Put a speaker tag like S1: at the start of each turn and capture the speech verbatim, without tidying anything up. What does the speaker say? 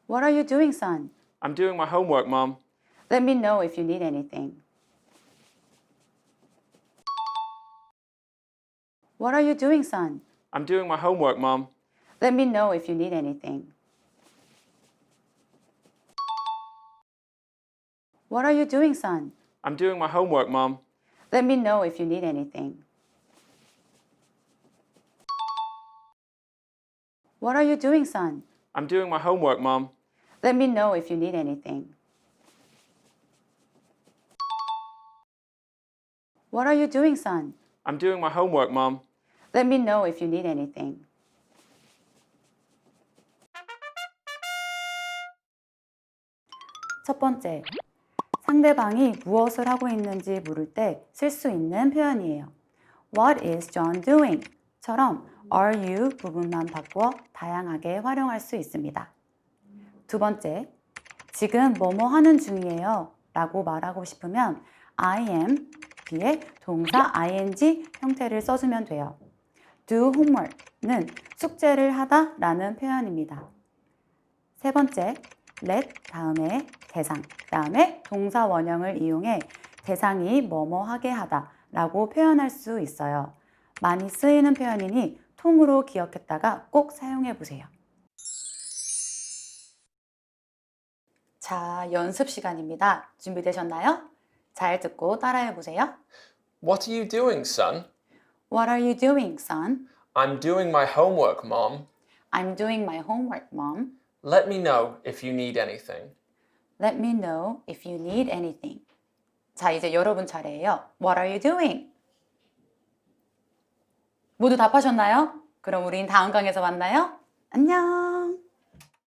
S1: What are you doing, son?
S2: I'm doing my homework, Mom.
S1: Let me know if you need anything. What are you doing, son?
S2: I'm doing my homework, Mom.
S1: Let me know if you need anything. What are you doing, son?
S2: I'm doing my homework, Mom.
S1: Let me know if you need anything. What are you doing, son?
S2: I'm doing my homework, Mom.
S1: Let me know if you need anything. What are you doing, son?
S2: I'm doing my homework, Mom.
S1: Let me know if you need anything. 첫 번째, 상대방이 무엇을 하고 있는지 물을 때 쓸 수 있는 표현이에요. What is John doing? 처럼 are you 부분만 바꾸어 다양하게 활용할 수 있습니다. 두 번째, 지금 뭐뭐 하는 중이에요 라고 말하고 싶으면 I am 뒤에 동사 ing 형태를 써주면 돼요. do homework는 숙제를 하다 라는 표현입니다. 세 번째, let 다음에 대상, 다음에 동사 원형을 이용해 대상이 뭐뭐 하게 하다 라고 표현할 수 있어요. 많이 쓰이는 표현이니 통으로 기억했다가 꼭 사용해 보세요. 자, 연습 시간입니다. 준비되셨나요? 잘 듣고 따라해 보세요.
S3: What are you doing, son?
S1: What are you doing, son?
S3: I'm doing my homework, Mom.
S1: I'm doing my homework, mom.
S3: Let me know if you need anything.
S1: Let me know if you need anything. 자, 이제 여러분 차례예요. What are you doing? 모두 답하셨나요? 그럼 우린 다음 강에서 만나요. 안녕!